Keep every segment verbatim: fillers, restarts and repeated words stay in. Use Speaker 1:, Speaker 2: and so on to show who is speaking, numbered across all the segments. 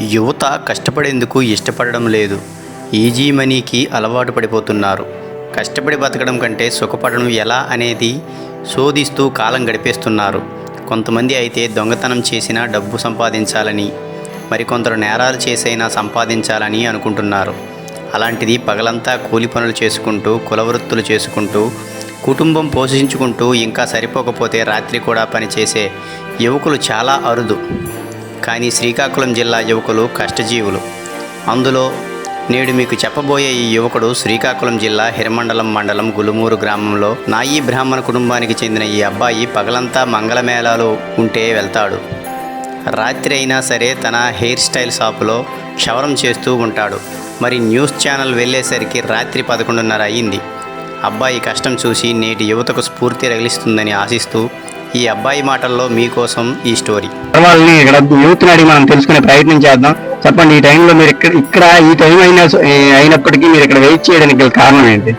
Speaker 1: యువత కష్టపడేందుకు ఇష్టపడడం లేదు. ఈజీ మనీకి అలవాటు పడిపోతున్నారు. కష్టపడి బతకడం కంటే సుఖపడడం ఎలా అనేది శోధిస్తూ కాలం గడిపేస్తున్నారు. కొంతమంది అయితే దొంగతనం చేసినా డబ్బు సంపాదించాలని, మరికొందరు నేరాలు చేసైనా సంపాదించాలని అనుకుంటున్నారు. అలాంటిది పగలంతా కూలి పనులు చేసుకుంటూ, కులవృత్తులు చేసుకుంటూ, కుటుంబం పోషించుకుంటూ ఇంకా సరిపోకపోతే రాత్రి కూడా పనిచేసే యువకులు చాలా అరుదు. కానీ శ్రీకాకుళం జిల్లా యువకులు కష్టజీవులు. అందులో నేడు మీకు చెప్పబోయే ఈ యువకుడు శ్రీకాకుళం జిల్లా హిరమండలం మండలం గులుమూరు గ్రామంలో నాయీ బ్రాహ్మణ కుటుంబానికి చెందిన ఈ అబ్బాయి పగలంతా మంగళమేళాలు ఉంటే వెళ్తాడు. రాత్రి అయినా సరే తన హెయిర్ స్టైల్ షాపులో క్షవరం చేస్తూ ఉంటాడు. మరి న్యూస్ ఛానల్ వెళ్ళేసరికి రాత్రి పదకొండున్నర అయ్యింది. అబ్బాయి కష్టం చూసి నేటి యువతకు స్ఫూర్తి రగిలిస్తుందని ఆశిస్తూ ఈ అబ్బాయి మాటల్లో మీకోసం ఈ స్టోరీ.
Speaker 2: వాళ్ళని ఇక్కడ యూత్ని అడిగి మనం తెలుసుకునే ప్రయత్నం చేద్దాం. చెప్పండి, ఈ టైంలో మీరు ఇక్కడ ఇక్కడ ఈ టైం అయినా అయినప్పటికీ మీరు ఇక్కడ వెయిట్ చేయడానికి గల కారణం ఏంటి?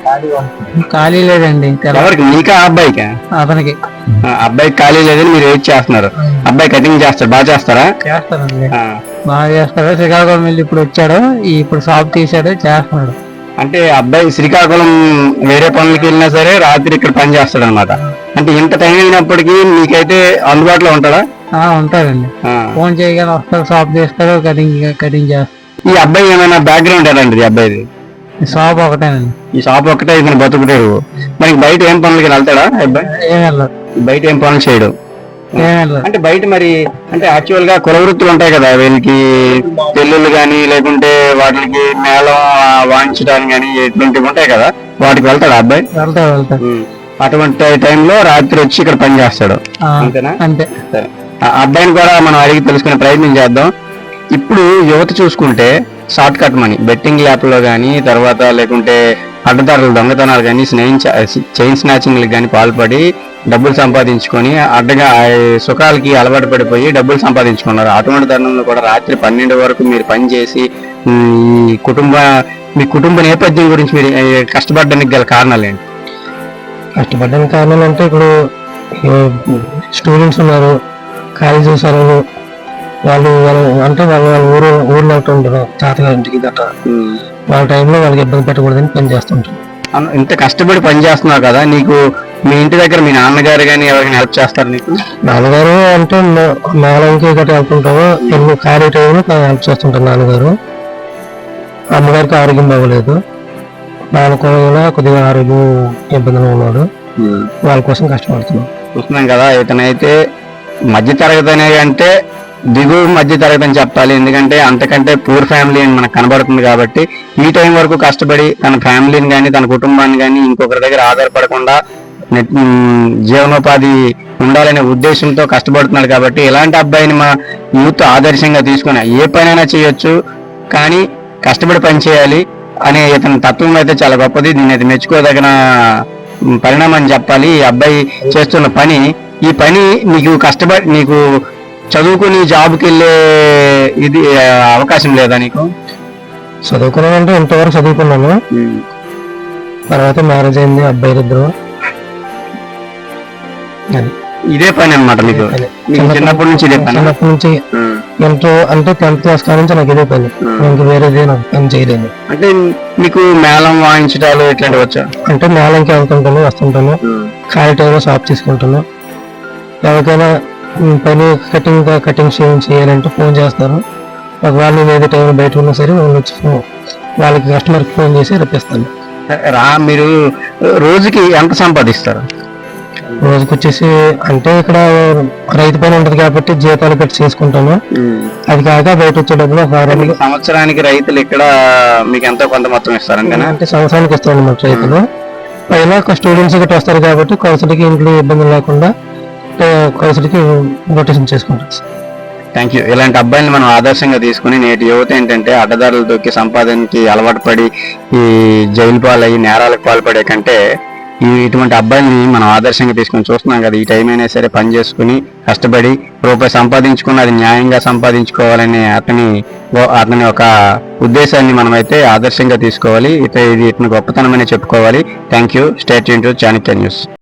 Speaker 3: ఖాళీ లేదండి.
Speaker 2: ఎవరికి? మీకా అబ్బాయికా?
Speaker 3: అతనికి.
Speaker 2: అబ్బాయికి ఖాళీ లేదని మీరు వెయిట్ చేస్తున్నారు. అబ్బాయి కటింగ్ చేస్తారు, బాగా చేస్తారా?
Speaker 3: చేస్తారండి, బాగా చేస్తారు. శ్రీకాకుళం వెళ్ళి ఇప్పుడు వచ్చాడు, ఇప్పుడు షాప్ తీసాడు, చేస్తున్నాడు.
Speaker 2: అంటే అబ్బాయి శ్రీకాకుళం వేరే పనులకి వెళ్ళినా సరే రాత్రి ఇక్కడ పని చేస్తాడు అనమాట. అంటే ఇంత టైం అయినప్పటికీ మీకైతే అందుబాటులో ఉంటాడా?
Speaker 3: ఉంటాడండి. ఫోన్ చేయగానే వస్తాడు, షాప్ చేస్తాడు, కటింగ్ కటింగ్ చేస్తాడు.
Speaker 2: ఈ అబ్బాయి ఏమైనా బ్యాక్గ్రౌండ్ ఎలాంటిది అబ్బాయిది?
Speaker 3: షాప్ ఒకటేనండి.
Speaker 2: ఈ షాప్ ఒకటే ఇతను బతుకుతాడు. మనకి బయట ఏం పనులకి వెళ్తాడా అబ్బాయి?
Speaker 3: ఏం వెళ్ళదు,
Speaker 2: బయట ఏం పనులు చేయడు. అంటే బయట మరి అంటే యాక్చువల్ గా కుల వృత్తులు ఉంటాయి కదా, వీళ్ళకి పెళ్ళిళ్ళు గానీ లేకుంటే వాటికి మేళం వాయించడానికి కానీ ఇటువంటివి ఉంటాయి కదా, వాటికి వెళ్తాడు అబ్బాయి?
Speaker 3: వెళ్తాడు వెళ్తాడు
Speaker 2: అటువంటి టైంలో రాత్రి వచ్చి ఇక్కడ పని చేస్తాడు, అంతేనా?
Speaker 3: అంతే.
Speaker 2: సరే, ఆ అబ్బాయిని కూడా మనం అడిగి తెలుసుకునే ప్రయత్నం చేద్దాం. ఇప్పుడు యువత చూసుకుంటే షార్ట్ కట్ మనీ బెట్టింగ్ యాప్లో కానీ, తర్వాత లేకుంటే అడ్డదారులు దొంగతనాలు కానీ, చైన్ స్నాచింగ్లకు కానీ పాల్పడి డబ్బులు సంపాదించుకొని అడ్డగా సుఖాలకి అలవాటు పడిపోయి డబ్బులు సంపాదించుకున్నారు. అటువంటి తరుణంలో కూడా రాత్రి పన్నెండు వరకు మీరు పనిచేసి ఈ కుటుంబ మీ కుటుంబ నేపథ్యం గురించి మీరు కష్టపడడానికి గల కారణాలు ఏంటి?
Speaker 3: కష్టపడడానికి కారణాలు అంటే ఇప్పుడు స్టూడెంట్స్ ఉన్నారు, కాలేజీ చదువులు, వాళ్ళు అంటే వాళ్ళు వాళ్ళ ఊరు ఊర్లో ఉంటారు, తాతగారింటికి గట్రా. వాళ్ళ టైంలో వాళ్ళకి ఇబ్బంది పెట్టకూడదని పని చేస్తుంటారు.
Speaker 2: ఇంత కష్టపడి పని చేస్తున్నావు కదా, నీకు మీ ఇంటి దగ్గర మీ నాన్నగారు కానీ ఎవరికైనా హెల్ప్ చేస్తారు నీకు?
Speaker 3: నాన్నగారు అంటే మేళంకి గట్రా వెళ్తుంటాము, ఎన్ని ఖాళీ టైంలో హెల్ప్ చేస్తుంటారు నాన్నగారు. అమ్మగారికి ఆరోగ్యం బాగోలేదు, నాన్న కూడా కొద్దిగా ఆరోగ్యం ఇబ్బందిగా ఉన్నాడు, వాళ్ళ కోసం కష్టపడుతున్నాం.
Speaker 2: చూస్తున్నాం కదా, ఇతనైతే మధ్య తరగతి అనే అంటే దిగువ మధ్య తరగతి అని చెప్పాలి. ఎందుకంటే అంతకంటే పూర్ ఫ్యామిలీ అని మనకు కనబడుతుంది. కాబట్టి ఈ టైం వరకు కష్టపడి తన ఫ్యామిలీని కానీ తన కుటుంబాన్ని కానీ ఇంకొకరి దగ్గర ఆధారపడకుండా జీవనోపాధి ఉండాలనే ఉద్దేశంతో కష్టపడుతున్నాడు. కాబట్టి ఇలాంటి అబ్బాయిని మా యూత్ ఆదర్శంగా తీసుకుని ఏ పనైనా చేయొచ్చు, కానీ కష్టపడి పని చేయాలి అనే ఇతని తత్వం అయితే చాలా గొప్పది. దీన్ని అయితే మెచ్చుకోదగిన పరిణామం అని చెప్పాలి. ఈ అబ్బాయి చేస్తున్న పని, ఈ పని నీకు కష్టపడి నీకు చదువుకుని జాబ్కి వెళ్ళే ఇది అవకాశం లేదా నీకు?
Speaker 3: చదువుకున్నానంటే ఇంతవరకు చదువుకున్నాను, తర్వాత మ్యారేజ్ అయింది, అబ్బాయిలు ఇద్దరు.
Speaker 2: ఇదే పని అనమాట మీకు? చిన్నప్పటి నుంచి ఇదే పని?
Speaker 3: చిన్నప్పటి నుంచి ఇంటర్ అంటే టెన్త్ క్లాస్ కాడ నుంచి నాకు ఇదే పని, ఇంకా వేరేదే నాకు పని చేయలేదు.
Speaker 2: అంటే మీకు మేళం వాయించడాలు ఇట్లాంటివి వచ్చా?
Speaker 3: అంటే మేళంకి వెళ్తుంటాను, వస్తుంటాను, ఖాళీ టైంలో షాప్ తీసుకుంటాను. ఎవరికైనా పని కటింగ్ కటింగ్ చేయాలంటే ఫోన్ చేస్తారు. ఒకవేళ నేను ఏదో టైం బయట ఉన్నా సరే వాళ్ళు వచ్చి వాళ్ళకి కస్టమర్కి ఫోన్ చేసి రప్పిస్తాను.
Speaker 2: రా మీరు రోజుకి ఎంత సంపాదిస్తారు?
Speaker 3: రోజుకి వచ్చేసి అంటే ఇక్కడ రైతు పని ఉంటది కాబట్టి జీతాలు పెట్టి చేసుకుంటాను. అది కాక బయట వచ్చే డబ్బులు
Speaker 2: సంవత్సరానికి రైతులు ఇక్కడ మీకు ఎంతో కొంత మొత్తం ఇస్తారంటే?
Speaker 3: అంటే సంవత్సరానికి ఇస్తాను మన రైతులు. పైన స్టూడెంట్స్ గట్టి వస్తారు కాబట్టి ఖర్చులకి ఇంట్లో ఇబ్బంది లేకుండా ఖర్చులకి రొటేషన్ చేసుకుంటాం.
Speaker 2: Thank you. ఇలాంటి అబ్బాయిని మనం ఆదర్శంగా తీసుకుని నేటి యువత ఏంటంటే అడ్డదారులు దొక్కి సంపాదనకి అలవాటు పడి ఈ జైలు పాలయ్యి నేరాలకు పాల్పడే కంటే ఈ ఇటువంటి అబ్బాయిని మనం ఆదర్శంగా తీసుకొని చూస్తున్నాం కదా. ఈ టైం అయినా సరే పని చేసుకుని కష్టపడి రూపాయి సంపాదించుకుని అది న్యాయంగా సంపాదించుకోవాలనే అతని అతని ఒక ఉద్దేశాన్ని మనమైతే ఆదర్శంగా తీసుకోవాలి. ఇత ఇది ఇతని గొప్పతనమనే చెప్పుకోవాలి. Thank you. Stay tune to Chanakya news.